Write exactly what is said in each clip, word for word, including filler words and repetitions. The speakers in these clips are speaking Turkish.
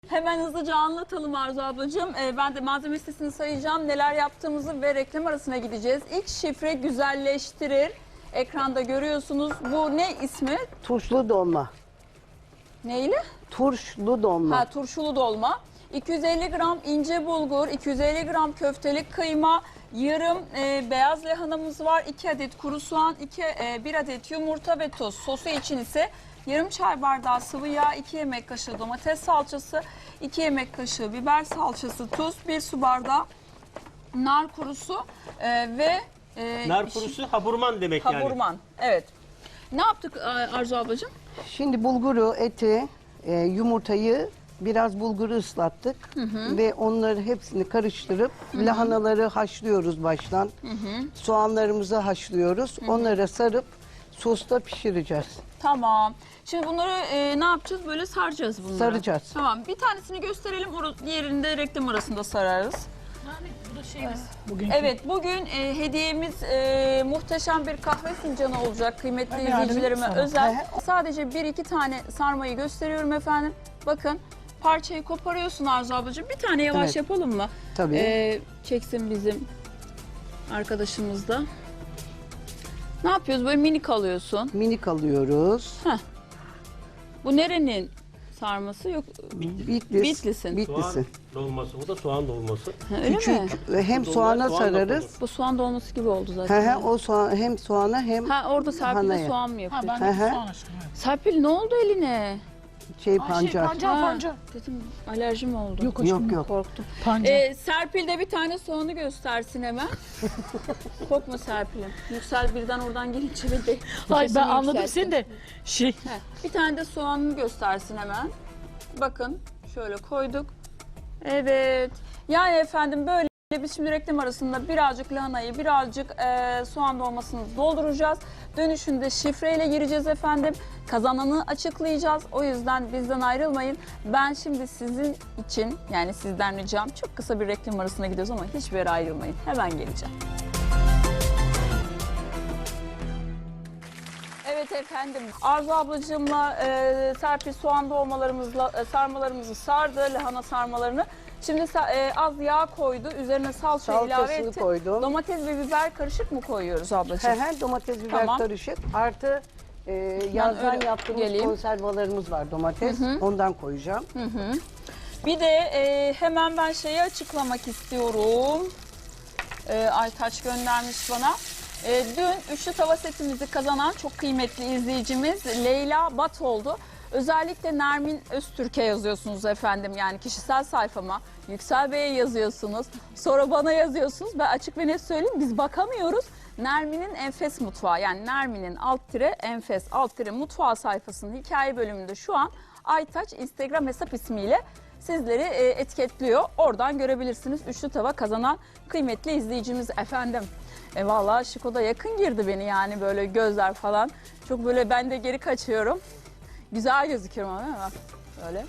Hemen hızlıca anlatalım Arzu ablacığım. Ee, ben de malzeme listesini sayacağım. Neler yaptığımızı ve reklam arasına gideceğiz. İlk şifre güzelleştirir. Ekranda görüyorsunuz. Bu ne ismi? Turşulu dolma. Neyle? Turşulu dolma. Ha, turşulu dolma. iki yüz elli gram ince bulgur, iki yüz elli gram köftelik kıyma, yarım e, beyaz lahanamız var, iki adet kuru soğan, iki, e, bir adet yumurta ve tuz. Sosu için ise yarım çay bardağı sıvı yağ, iki yemek kaşığı domates salçası, iki yemek kaşığı biber salçası, tuz, bir su bardağı nar kurusu e, ve e, Nar kurusu haburman demek yani. haburman. Evet. Ne yaptık Arzu ablacığım? Şimdi bulguru, eti, e, yumurtayı, biraz bulguru ıslattık. Hı hı. Ve onları hepsini karıştırıp hı hı. lahanaları haşlıyoruz baştan. Hı hı. Soğanlarımızı haşlıyoruz. Hı hı. Onlara sarıp sosta pişireceğiz. Tamam. Şimdi bunları e, ne yapacağız? Böyle saracağız bunları. Saracağız. Tamam. Bir tanesini gösterelim. Diğerini de reklam arasında sararız. Yani bu da şeyimiz. Bugünkü. Evet, bugün e, hediyemiz e, muhteşem bir kahve fincanı olacak kıymetli Ben yardım izleyicilerime edeyim sana. özel. Sadece bir iki tane sarmayı gösteriyorum efendim. Bakın parçayı koparıyorsun Arzu ablacığım. Bir tane yavaş Evet. yapalım mı? Tabii. E, çeksin bizim arkadaşımız da. Ne yapıyoruz? Böyle minik alıyorsun. Minik alıyoruz. Bu nerenin sarması? Yok. Bitlis. Bitlis'in. Bitlis'in. Soğan dolması, bu da soğan dolması. Ha, öyle mi? Küçük. Ve hem Dolma, soğana soğan da sararız. konur. Bu soğan dolması gibi oldu He zaten. he, o soğan, hem soğana hem Ha, orada Serpil de lahanaya. soğan mı Ha yapıyor? ben Hı de hı. soğan açtım. Evet. Serpil ne oldu eline? şey Ay, pancar. Şey, pancar Ha, pancar. Dedim alerjim oldu. Yok aşkım. Yok yok. Korktum. Pancar. Ee, Serpil de bir tane soğanı göstersin hemen. Korkma Serpil'im. Yüksel birden oradan gelince bir de Ay sesini ben anladım yükselttim. seni de. Şey. Heh, bir tane de soğanını göstersin hemen. Bakın şöyle koyduk. Evet. Yani efendim böyle biz şimdi reklam arasında birazcık lahanayı, birazcık e, soğan dolmasını dolduracağız. Dönüşünde şifreyle gireceğiz efendim. Kazananı açıklayacağız. O yüzden bizden ayrılmayın. Ben şimdi sizin için, yani sizden ricam, çok kısa bir reklam arasına gidiyoruz ama hiçbir yere ayrılmayın. Hemen geleceğim. Evet efendim, Arzu ablacığımla e, Serpil soğan dolmalarımızla e, sarmalarımızı sardı, lahana sarmalarını. Şimdi e, az yağ koydu, üzerine salça ilave Salçasını etti. koydum. Domates ve biber karışık mı koyuyoruz He ablacığım? he, domates biber Tamam. karışık. Artı e, yazdan öyle yaptığımız geleyim. konservalarımız var, domates. Ondan koyacağım. Bir de e, hemen ben şeyi açıklamak istiyorum. E, Aytaç göndermiş bana. E, dün üçlü tava setimizi kazanan çok kıymetli izleyicimiz Leyla Bat oldu. Özellikle Nermin Öztürk'e yazıyorsunuz efendim, yani kişisel sayfama. Yüksel Bey'e yazıyorsunuz. Sonra bana yazıyorsunuz. Ben açık ve net söyleyeyim, biz bakamıyoruz. Nermin'in Enfes Mutfağı, yani Nermin'in alt tire Enfes alt tire mutfağı sayfasının hikaye bölümünde şu an Aytaç Instagram hesap ismiyle sizleri e, etiketliyor. Oradan görebilirsiniz. Üçlü tava kazanan kıymetli izleyicimiz efendim. E vallahi Şiko'da yakın girdi beni, yani böyle gözler falan. Çok böyle ben de geri kaçıyorum. Güzel gözüküyorum ama değil mi? Bak, böyle.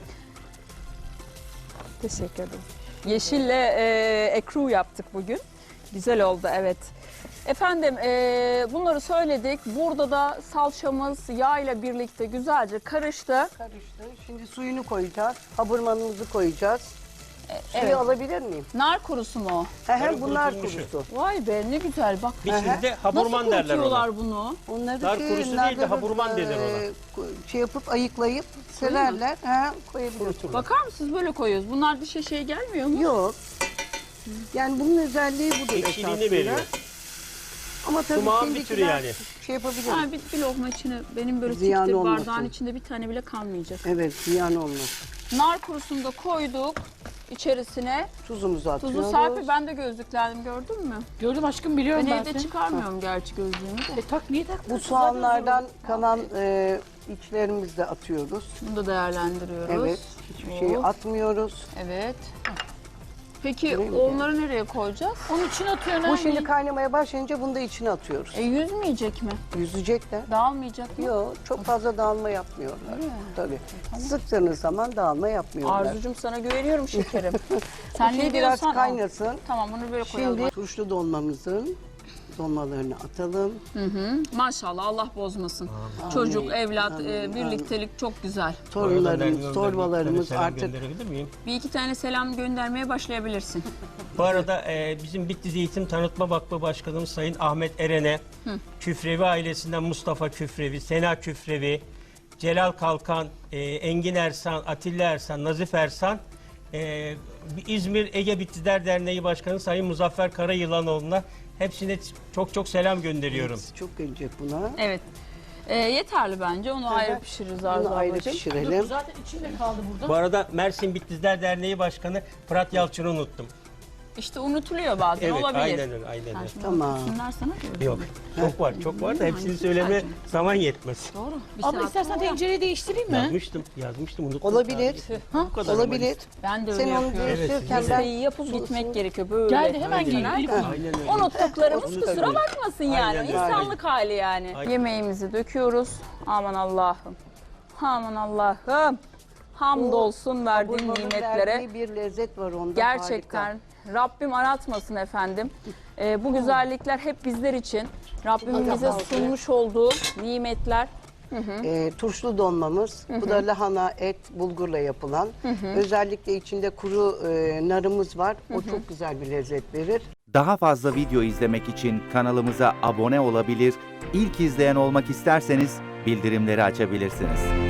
Teşekkür ederim. Yeşille e, ekru yaptık bugün. Güzel oldu, evet. Efendim e, bunları söyledik. Burada da salçamız yağ ile birlikte güzelce karıştı. Karıştı. Şimdi suyunu koyacağız. Haburmanımızı koyacağız. Suyu evet. alabilir miyim? Nar kurusu mu o? He he, Yarım bunlar kurutulmuşu. kurusu. Vay be, ne güzel bak. Bizde haburman Nasıl derler ona. kurutuyorlar bunu? Onları Nar şey, kurusu değil de narları, haburman denir ona. e, Şey yapıp ayıklayıp sererler. He, koyabilirsiniz. Bakar mısınız, böyle koyuyoruz. Bunlar dışa şey gelmiyor mu? Yok. Yani bunun özelliği budur Ekşiliğini esasında. veriyor. Ama tabii Sumağın bir türü şimdikiler yani. şey yapabilir. Ha, bir, bir lokma içine, benim böyle Ziyan tiktir olmasın. bardağın içinde bir tane bile kalmayacak. Evet, ziyan olmaz. Nar kurusunu da koyduk içerisine. Tuzumuzu atıyoruz. Tuzu Serpil, ben de gözlüklendim, gördün mü? Gördüm aşkım, biliyorum Ben ben, evde seni. çıkarmıyorum gerçi gözlüğümü de. E tak niye tak? Bu soğanlardan kalan e, içlerimizi de atıyoruz. Bunu da değerlendiriyoruz. Evet, hiçbir şeyi Oh. atmıyoruz. Evet. Peki Değil mi? onları nereye koyacağız? Onun için atıyorsun. Bu şimdi kaynamaya başlayınca bunu da içine atıyoruz. E yüzmeyecek mi? Yüzecekler. Dağılmayacak mı? Yok, çok fazla dağılma yapmıyorlar. Tabii. Sıktığınız zaman dağılma yapmıyorlar. Arzucum, sana güveniyorum şekerim. Sen Şimdi ne biraz diyorsan al. kaynasın. Tamam, bunu böyle koyalım. Şimdi turşulu dolmamızın Dolmalarını atalım. Maşallah Allah bozmasın. Çocuk, evlat, e, birliktelik çok güzel. Torunlarımız, torbalarımız selam artık gönderebilir miyim? Bir iki tane selam göndermeye başlayabilirsin. Bu arada e, bizim Bitlis Eğitim Tanıtma Vakfı Başkanımız Sayın Ahmet Eren'e, Küfrevi ailesinden Mustafa Küfrevi, Sena Küfrevi, Celal Kalkan, e, Engin Ersan, Atilla Ersan, Nazif Ersan, e, İzmir Ege Bitlisler Derneği Başkanı Sayın Muzaffer Karayılanoğlu'na hepsine çok çok selam gönderiyorum. çok gelecek buna. Evet. E, yeterli bence. Onu ayrı pişiririz Arzu Bunu ayrı ablacığım. pişirelim. Zaten içinde kaldı burada. Bu arada Mersin Bitlisler Derneği Başkanı Fırat Yalçın'ı unuttum. İşte unutuluyor bazen, Evet, olabilir. aynen öyle, aynen Sen öyle. şimdi Tamam. unutsunlar sana diyorum. Yok, çok var, çok var da hepsini Hangisi söyleme sadece? zaman yetmez. Doğru. Bir Abla saat istersen sonra- tencereyi değiştireyim mi? Yazmıştım, yazmıştım, unuttum. Olabilir. Bu kadar ama Olabilir. işte. Ben de öyle Sen onu yapıyorum. değiştirirken Evet, ben Şeyi yapıp gitmek gerekiyor böyle. Geldi hemen geliyor. Elif Hanım. Aynen öyle. Unuttuklarımız Onu kusura tabii. bakmasın yani. Aynen öyle. İnsanlık hali yani. Aynen. Yemeğimizi döküyoruz. Aman Allah'ım. Aman Allah'ım. Hamdolsun verdiğin Burmanın nimetlere. verdiği bir lezzet var onda. Gerçekten harika. Rabbim aratmasın efendim. Ee, bu güzellikler hep bizler için. Rabbimin bize sunmuş olduğu nimetler. Ee, turşulu donmamız. Bu da lahana, et, bulgurla yapılan. Özellikle içinde kuru e, narımız var. O çok güzel bir lezzet verir. Daha fazla video izlemek için kanalımıza abone olabilir, ilk izleyen olmak isterseniz bildirimleri açabilirsiniz.